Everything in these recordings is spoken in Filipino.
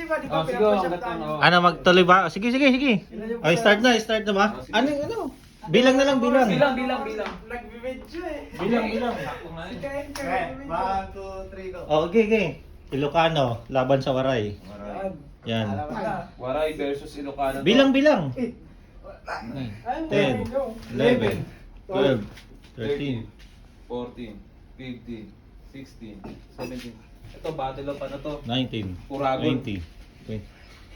ba? Di ba Oh, sige, pinapush up hanggat tayo? ano. Ano, magtuloy ba? Sige, sige, sige. Ay, start na ba? Ano, ano? Bilang na lang, bilang. Bilang. Nag-video eh. Bilang. Si Kain ka. Okay, 1, 2, 3, go. Oh, okay, okay. Ilocano, laban sa Waray. Yan. Alam mo na. Waray versus Ilocano. Bilang. 10, Ay, 11, 12, 13, 14, 15, 16, 17. Ito, battle of ano to? 19, Uragon. 20, 20.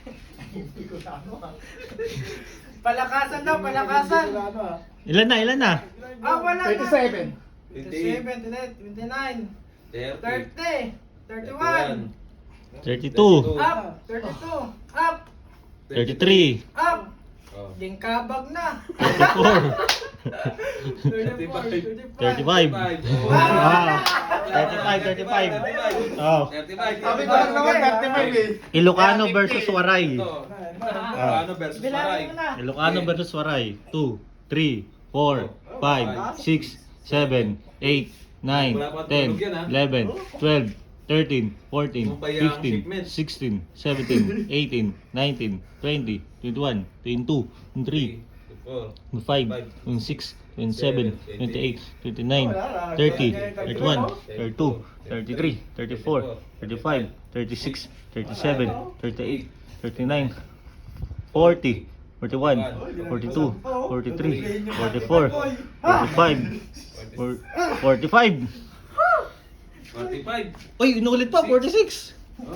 Palakasan daw, palakasan. Ilan na? Ah, wala na. 27. 27, 29, 30, 30, 31, 32, up, 32, up, 33, up. Oh. Lingkabag na. 34, 34, 35. Ah, 35. Oh. 35. Sabi ko lang naman, 35 eh. Ilocano versus Waray. Ito. Ilocano versus Waray. Bilangin mo na. Ilocano versus Waray. 2, 3, 4, 5, 6, 7, 8, 9, 10, 11, 12, 13, 14, 15, 16, 17, 18, 19, 20, 21, 22, 23, 25, 26, 27, 28, 29, 30, 31, 32, 33, 34, 35, 36, 37, 38, 39, 40, 41, 42, 43, 44, 45, 45. 45. Uy, inulit pa, 46.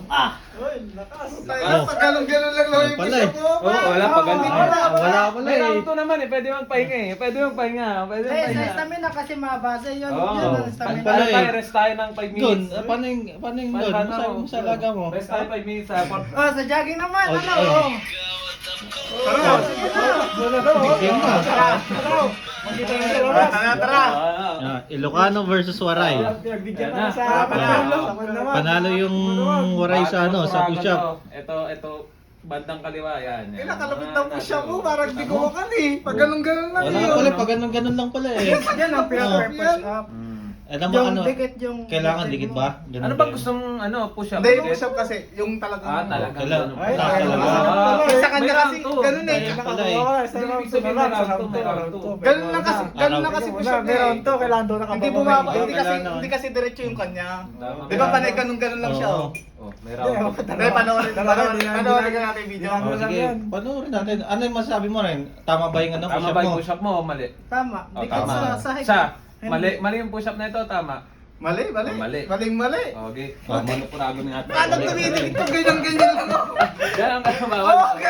Tayo, pag ganun-ganun lang naman yung Pala push eh. up mo. Oh, wala pa ganun. Wala pala May eh. round 2 naman eh. Pwede magpahinga eh. Pwede magpahinga. Eh, sa stamina kasi mabasa yun. Oo. Yun ang stamina. Pala Pala eh. tayo, rest tayo ng 5 Doon, minutes. paano yung doon? Sa laga mo. Rest tayo 5 minutes ha. Oh, sa jogging naman, Oh, ano? oh. Oh. Game na. Tara. Ah, Ilocano versus Waray. Nagbigyan Yan na. sa panalo. Panalo yung Waray sa ano, sa push-up. Ito, bandang kaliwa. Yan. Eh, nakalapit ng push up mo, parang di ko makan eh. Pag ganun-ganun lang Wala yun. pala, pag ganun lang pala eh. Yan ang pinaka-push up. Alam mo Yung ano, dikit yung... kailangan dikit ba? Ganun Ano ba ba yun? gustong push-up? Hindi, yung push up kasi, yung talagang... Ah, talaga. Kailangan. Ay, Taas talaga. Sa kanya May kasi, round two. ganun eh. Ganun pala eh. Ibig sabihin may round 2. Ganun lang kasi push up niya eh. kailangan doon Hindi bumaba, Hindi hindi kasi diretso yung kanya. Tama. Di ba panay ganun-ganun lang siya oh. Oh, may round 2. Hindi, panoorin ka natin yung video. Oh, sige, panoorin natin. Ano yung masasabi mo rin? Tama ba yung ano, Tama push-up ba mo? yung push-up mo o mali? Tama. Oh, Dikit tama. sa high. Sa, mali yung push-up na ito, tama. Mali. Mali. Mali. Okay. Manupurago ng ating. Paano tumitig ito? Ganyan-ganyan lang ako. Yan ang kasama. Okay.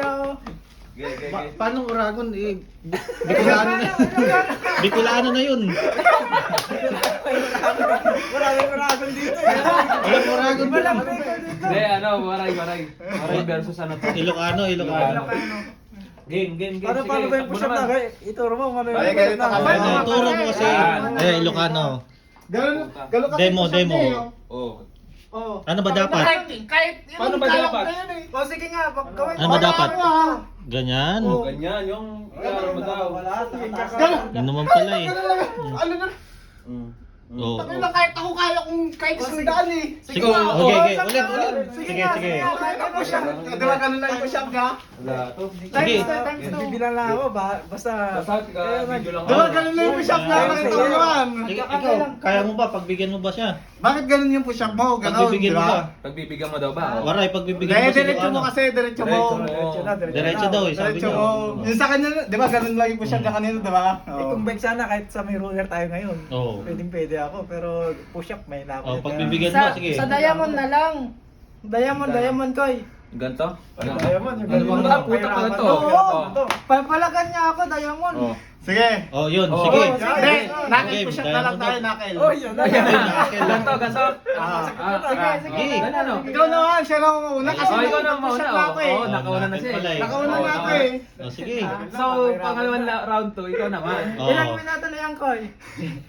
Paano Uragon eh? Bicolano na. Bicolano na yun. Maraming Uragon dito. Walang Uragon Walang doon. bacon dito. Hindi, ano, waray. Waray versus ano to. Ilocano. Game. Paano ba yung push up na? Ituro mo kung ano Ay, ganito ka. Ano, turo mo kasi. Eh, Ilocano. Ganun kasi Demo, push up demo. niya, oh. Oh. Oh. Ano ba dapat? Kahit yun Paano ang ba kaya dapat? ko na yun eh. O sige nga, gawin Ano ba dapat? Ganyan. Ganyan, yung ano mo daw. Yun naman pala eh. Ano na? Oo. Takin lang kahit ako kaya kung kahit isang daan eh. Sige, okay. Ulit. Sige. Push up. Di ba ganun lang yung push up niya? Wala to. Sige. Times 2. Bibilang lang ako, basta... Basta video lang Di ba ganun lang yung push up niya? Nakita mo naman. Ikaw, kaya mo ba? Pagbigyan mo ba siya? Bakit ganun yung push up mo? Ganun, Pagbibigyan di mo ba? ba? Pagbibigyan mo daw ba? Waray, pagbibigyan Dahil mo si diretso mo Ilocano. kasi, diretso mo. Diretso daw eh, sabi Diretso niya. mo. Yung sa kanya, di ba ganun lang yung push up niya kanina, di ba? Eh kung bike sana kahit sa may roller tayo ngayon. Oo. Pwede ako pero push up may laban. Oh, pagbibigyan mo, sige. Sa diamond na lang. Diamond koy. Ganto? Diamond, yung Ano ganun. ba? Puta ka ganito. Oo. Papalagan niya ako, diamond. Oh. Sige. Oh, yun, Oh, sige. Hindi, nakil Game, push up na lang diamond tayo, up. nakil. Oh, yun. Ganto. Sige. Ano? Ikaw naman, siya lang ang una kasi Oh, ikaw na push mauna. up na ako eh. Oh, nakauna na siya eh. Pala eh. Nakauna Oh, na ako nakauna. eh. Oh, sige. So, pangalawang round 2, ikaw naman. Oh. Ilang minuto na yan, koy?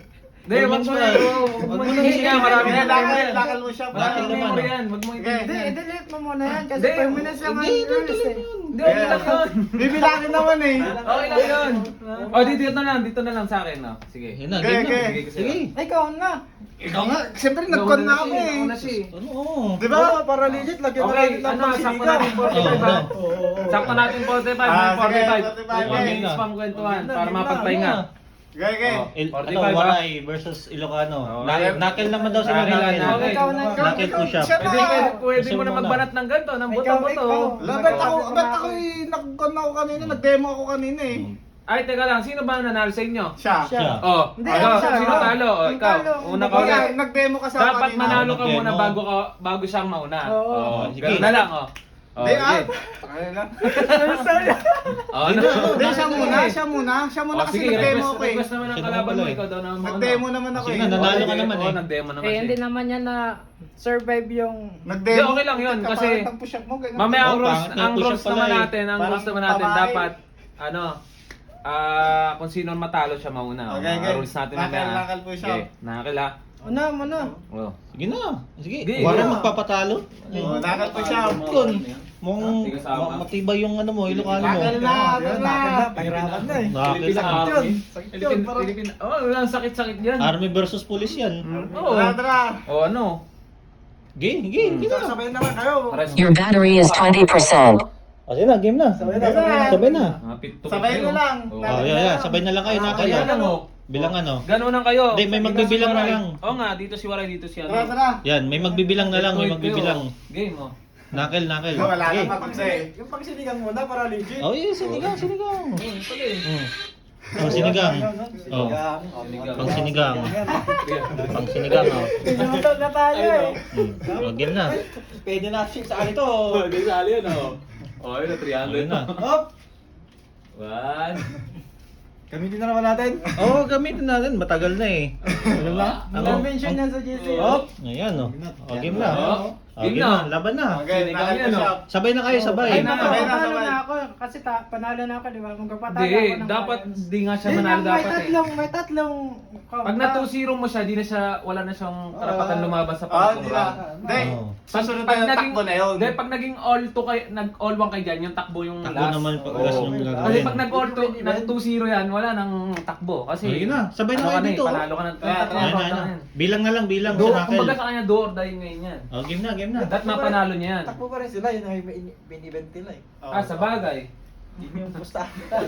Hindi, wag mo na. Wag mo na. Sige, marami na. Lakal mo siya. Lakal naman. Memory yan. Wag mo Hindi, i-delete. i-delete mo muna yan kasi Hindi. 5 minutes lang ang Hindi, rules eh. Hindi, okay lang yun. Bibilangin naman eh. Okay lang yun. O, dito na lang sa akin. No? Sige. Yun na, Okay, game na. okay. Sige. Ikaw na. Ikaw nga, siyempre nag-con na ako eh. Ako na siya. Ano? Oo. Di ba? Para legit, lagyan Okay, natin lang ano, ng sakto sinigang. natin 45 ha? Sakto natin 45, Ah, sige, 45. 45. 1 minutes pang kwentuhan para mapagpahinga. Okay, okay. Oh. Ano, 45 ba? Waray versus Ilocano. Oo. Knuckle naman daw sila. Nakil, Knuckle. nakil. Ikaw na. Knuckle push-up. Siya Pwede, pwede mo na Gusto mo magbanat ng ganito, ng Ikaw, buto-buto. ikaw. Ba't ako nag-con ako kanina, nag-demo ako kanina eh. Ay, teka lang, sino ba ang nanalo sa inyo? Siya. Siya. Oh, Hindi, ikaw, siya. sino talo? Oh, Ang ikaw, talo. una ka Kaya ulit. nag-demo ka sa Dapat kanina. manalo ka Nag-demo. muna bago siyang mauna. Oo. Oh, Sige. ganun na lang, oh. Oh, Hindi ah. sige. Ano lang. Oh, ano? Hindi, siya muna. Siya muna Oh, kasi sige, nag-demo ako eh. request naman ang Siya kalaban naman mo, pala eh. ikaw daw naman mauna. Nag-demo naman ako Sige eh. na, nanalo ka Sige, naman oo, eh. nag-demo naman Eh, siya. hindi naman yan na survive yung... Nag-demo. Hindi, okay lang yun, Kapangit kasi ang push-up mo, ganun. Mamaya ang Oh, rules, pangit na ang push-up rules pala naman eh. natin, ang Parang rules naman natin pamain. dapat ano kung sino ang matalo siya mauna. Okay, Mga okay. rules natin Nakal, mamaya. nakal push-up. Okay, nakal ah. Una, muna. Oh. Sige na. Sige. Sige. Waray magpapatalo. Oh, nakal push-up. Yun. Mukhang Sige, sama. matibay yung ano mo, Ilocano mo. Nakal na, nakal na. Pahirapan na eh. Nakal Philippine na. Army. Sakit yun, Philippine, parang- Philippine, oh, walang sakit-sakit yan. Army versus police yan. Oo. Tara, tara. Oh, ano? Game, game, game na. Sabayin na lang kayo. Pares- Your battery is 20%. Sige na, game na. Sabay na, sabay na. Sabay na. Mga pit-to-pit Sabay kayo. na lang. Oh. Oh, yeah. Sabay na lang kayo, Nakal. Ayan lang oh. Bilang ano. Ganun lang kayo. Hindi, may magbibilang na lang. Oo nga, dito si Waray, dito si ano. Tara, tara. Yan, may magbibilang na lang, may Wait, magbibilang. Game oh. Nakal, nakal. Wala Sige. na mapagsa eh. Yung pagsinigang muna para legit. Oh, yeah, sinigang, sinigang. Yun pala eh. Pang sinigang. Oh. Sinigang. Pang sinigang. Pang sinigang, oh. Pinuto na tayo eh. Oh, game na. Pwede na shit sa akin to. Oh, di sali yan oh. Oh, yun, 300 Ayun na. Hop! One. Gamitin na naman natin. Oo, gamitin natin. Matagal na eh. Ano na? Na-mention yan sa GC. Hop! Ayan, oh. Oh, game na. Oh, Oh, game game na. na. Laban na. Okay, Sinigang nakal yan, push-up. Sabay na kayo, Ay, sabay. na, sabay na, panalo sabay. na ako kasi panalo na ako, di ba? Kung kapatalo Hindi, ako ng dapat finals. di nga siya Hindi manalo lang, dapat eh. may tatlong Pag na 2-0 mo siya, di na siya, wala na siyang karapatan lumabas sa Ah, pangatong hindi na. round. Hindi. Oo. Susunod na yung takbo na yun. Hindi, pag naging all 2 kayo, nag-all 1 kayo dyan, yung takbo yung Takbo last. naman pag last Oo. yung Kasi gagawin. pag nag-all 2, nag-2-0 yan, wala nang takbo. Kasi, Sige na, sabay na ano kayo ka dito, oh. Panalo ka na. Ayan na, ayan na. Bilang na lang, bilang. Do, sa kumbaga Nakal. sa kanya, do or die ngayon yan. Oh, game na, game na. Dapat mapanalo niya yan. Takbo pa rin sila, yun ay binibent nila eh. Ah, sa bagay. Yun yung pustahan.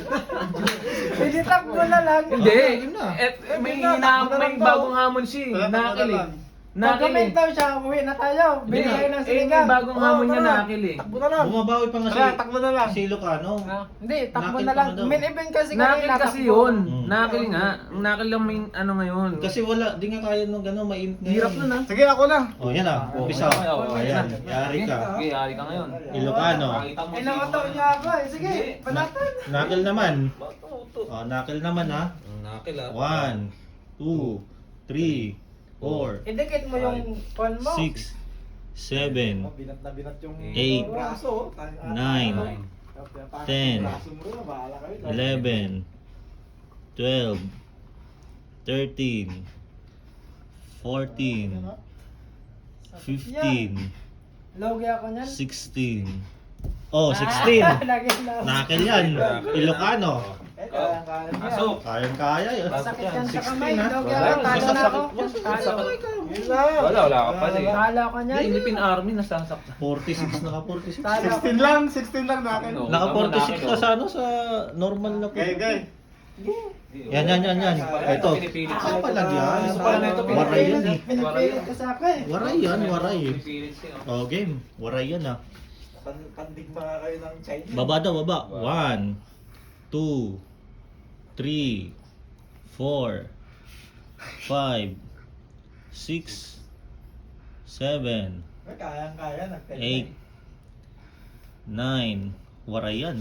Pwede takbo na lang. Hindi. game na. May Game na, takbo na may lang to. bagong hamon siya. Wala, takbo na Nakil eh. lang. Pag Nakil eh. daw siya, uwi na tayo. Bili kayo ng May sinigang. bagong hamon niya nakil eh. Takbo na lang. Bumabawi pa nga si, Tara, takbo na lang. si Ilocano. Hindi, takbo Nakil na lang. pa daw. Main event kasi Nakil kanina, kasi takbo. yun. Mm. Nakil nga. Ang nakil lang may ano ngayon. Kasi wala, di nga kaya nung gano'n, mainit na Hirap yan. na na. Sige, ako na. Oh, yan ah. Umpisa. Okay, okay. Ayan, yari ka. Okay, ari ka ngayon. Ilocano. Pakita mo Inaoto niya ako eh. Sige, panatan. Nakal naman. Bato. Oh, nakal naman ha. Nakil ah. 1, 2, 3, 4, Idikit mo yung phone mo. 6, 7, Binat na binat yung 8, braso. 9, 10, 11, 12, 13, 14, 15, Logi ako niyan. 16. Oh, 16. Lagi lang. Nakil yan. Ilocano. Eh, kaya niya. Pasok. Kayang-kaya yun. Sakit yan sa 16 kamay. ha. Logi Wala, ako. Talo na ako. Talo. Yun lang. Wala ka pa eh. Talo ako niyan. Philippine Army nasasaktan. 46, naka 46. Talo ako. 16 lang natin. No. Naka 46 ka sa ano, sa normal na po. Okay, okay. Yan. Ito. Pinipilit Ah, pala yan. Gusto pala na ito, Waray yan eh. Pinipilit ko sa akin. Waray yan, waray. Pinipilit siya. Oh, game. Waray yan ah. Pandigma kayo ng Chinese. Baba daw, baba. 1, 2, 3, 4, 5, 6, 7, Kayang-kaya. 8, 9. Waray yan.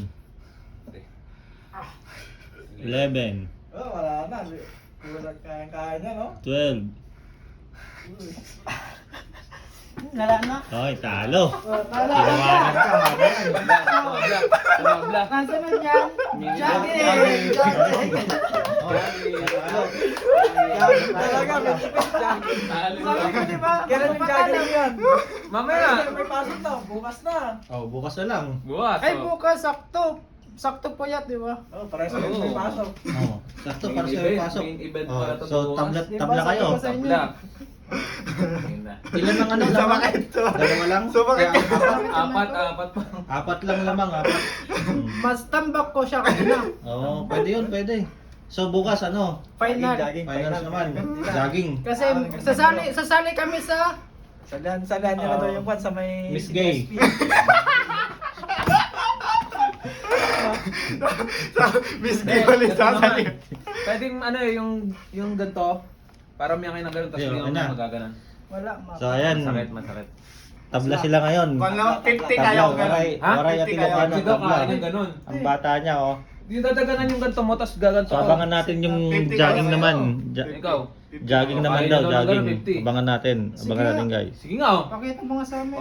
11, Oh, wala na. Kulang kayang-kaya niya, no? 12, Lala na. Hoy, talo. Talo. Tinawanan ka. Black. Kasunod yan. Jogging. Talaga, may tipid dyan. Sabi ko, di ba? Kailan yung jogging yan? Mamaya. May pasok na, bukas na. Oh, bukas na lang. Bukas. Ay, bukas, sakto. Sakto po yan, di ba? Oh, parehas na may pasok. Oh, sakto para sa pasok. Main event Oh, para to so bukas. tabla kayo. Sa inyo. Black. Ilan ang ano lamang? Dalawa lang? Sumakit ka. Apat pa. Apat lang lamang, apat. Mas tambak ko siya kanina. Oo, pwede yun, pwede. So bukas ano? Final. Finals naman. Jogging. Kasi sasali kami sa Salihan nyo na daw yung kwan sa may... Miss Gay. Miss Gay ulit sasali. Pwedeng ano eh, yung ganito. Para may kayo ng ganun, tapos Ayun, hindi ano? ako magaganan. wala ma. So ayan, Masakit. tabla sila ngayon. Kung lang 50 Tabla, kayo. waray, Ha? waray at 50 Ilocano, Hindi daw tabla. kain ng ganun. Ang bata niya, oh. Hindi dadaganan yung ganito mo, tapos gaganto So abangan natin yung 50 jogging kayo. naman. Ikaw. Jogging naman Kain daw, na daw ng jogging. ganun, 50. Abangan natin, Sige abangan nga. natin guys. Sige nga oh. Pakita mo nga sa amin.